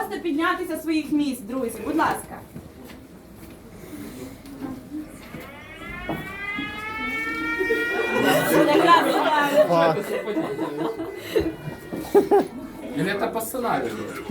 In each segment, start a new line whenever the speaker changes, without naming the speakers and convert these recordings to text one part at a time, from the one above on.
просто піднятися з своїх місць, друзі, будь ласка.
Или это по сценарию?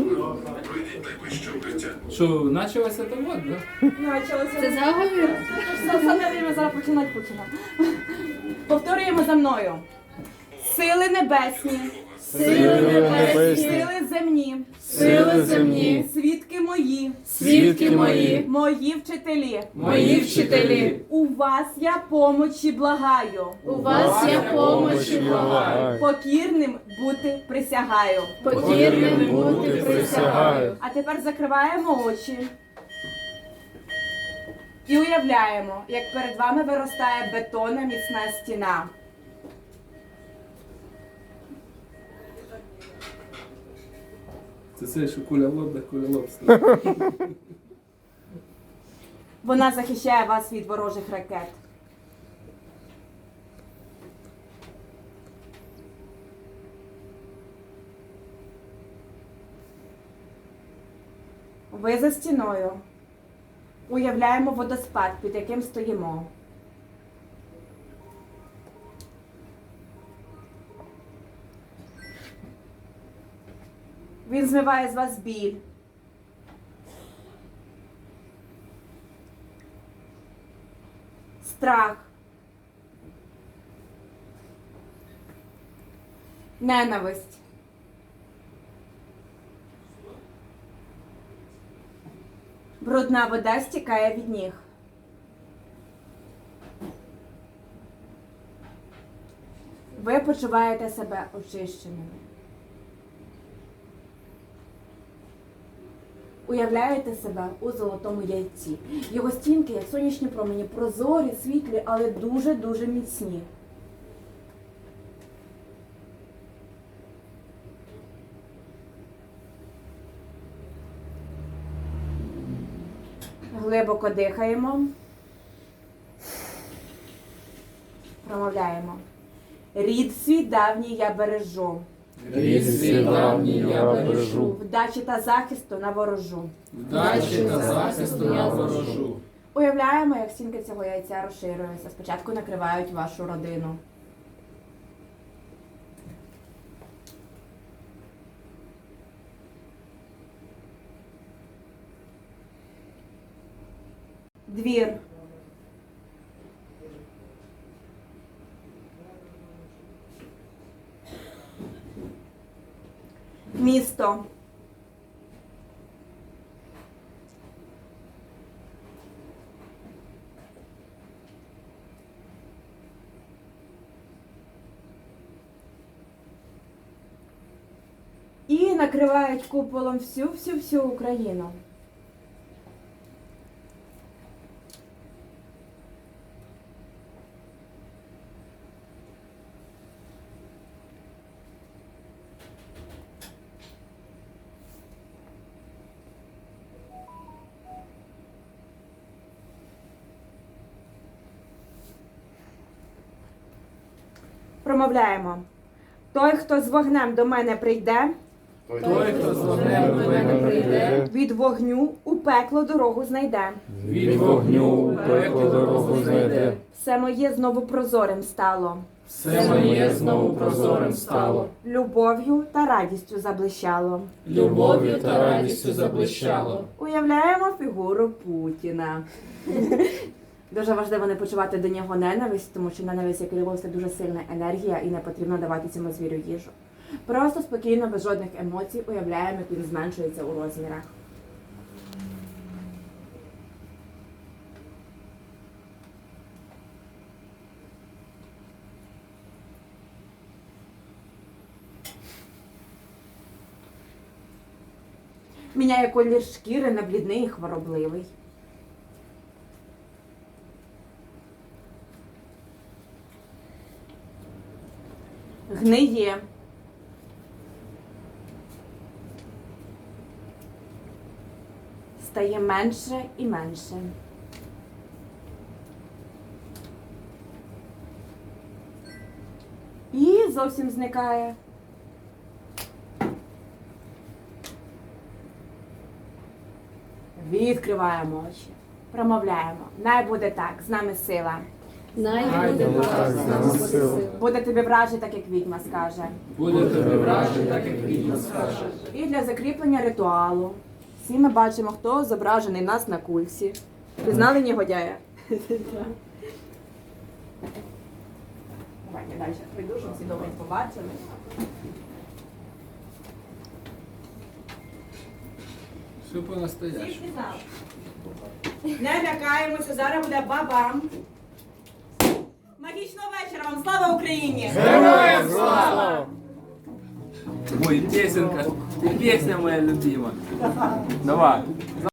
Что, началось это вот, да?
Це заговір? Саме время зараз починати. Повторюємо за мною. Сили небесні.
Сили небесні,
Сили земні.
сили земні,
Свідки мої.
свідки мої,
Мої вчителі.
мої вчителі,
У вас я помочі благаю.
у вас я помочі благаю,
Покірним бути присягаю.
покірним бути присягаю.
А тепер закриваємо очі. І уявляємо, як перед вами виростає бетонна міцна стіна.
Це що куля лоб, да куля лоб.
Вона захищає вас від ворожих ракет. Ви за стіною. Уявляємо водоспад, під яким стоїмо. Він змиває з вас біль. Страх. Ненависть. Брудна вода стікає від ніг. Ви почуваєте себе очищеними. Уявляєте себе у золотому яйці. Його стінки, як сонячні промені, прозорі, світлі, але дуже-дуже міцні. Глибоко дихаємо. Промовляємо. Рід свій давній я бережу.
Рід свій давній я бережу,
Вдачі та захисту наворожу.
вдачі та захисту я ворожу.
Уявляємо, як стінки цього яйця розширюються. Спочатку накривають вашу родину. Двір. Місто. І накривають куполом всю Україну. Промовляємо. Той, хто з вогнем до мене прийде,
Той, хто з вогнем до мене прийде,
від вогню у пекло дорогу знайде.
від вогню у пекло дорогу знайде.
Все моє знову прозорим стало.
Все моє знову прозорим стало,
Любов'ю та радістю заблищало.
любов'ю та радістю заблищало.
Уявляємо фігуру Путіна. Дуже важливо не почувати до нього ненависть, тому що ненависть, як і любов, це дуже сильна енергія і не потрібно давати цьому звірю їжу. Просто спокійно, без жодних емоцій, уявляємо, як він зменшується у розмірах. Міняє колір шкіри на блідний і хворобливий. Гниє. Стає менше і менше. І зовсім зникає. Відкриваємо очі. Промовляємо. Най буде так, з нами сила.
Най
Най
буде
буде
так з нами сила.
Буде тобі вражий, так як відьма скаже.
Буде тобі вражий, так як відьма скаже.
І для закріплення ритуалу. Всі ми бачимо, хто зображений в нас на кульці. Пізнали негодяя? Давайте далі прийду, щоб всі добре побачили.
Все по-настоящему.
Всі пізнали. Не лякаємося, зараз буде бабам. Магічного вечора вам! Слава Україні!
Героям слава! Ой, песенка, песня моя любима. Давай.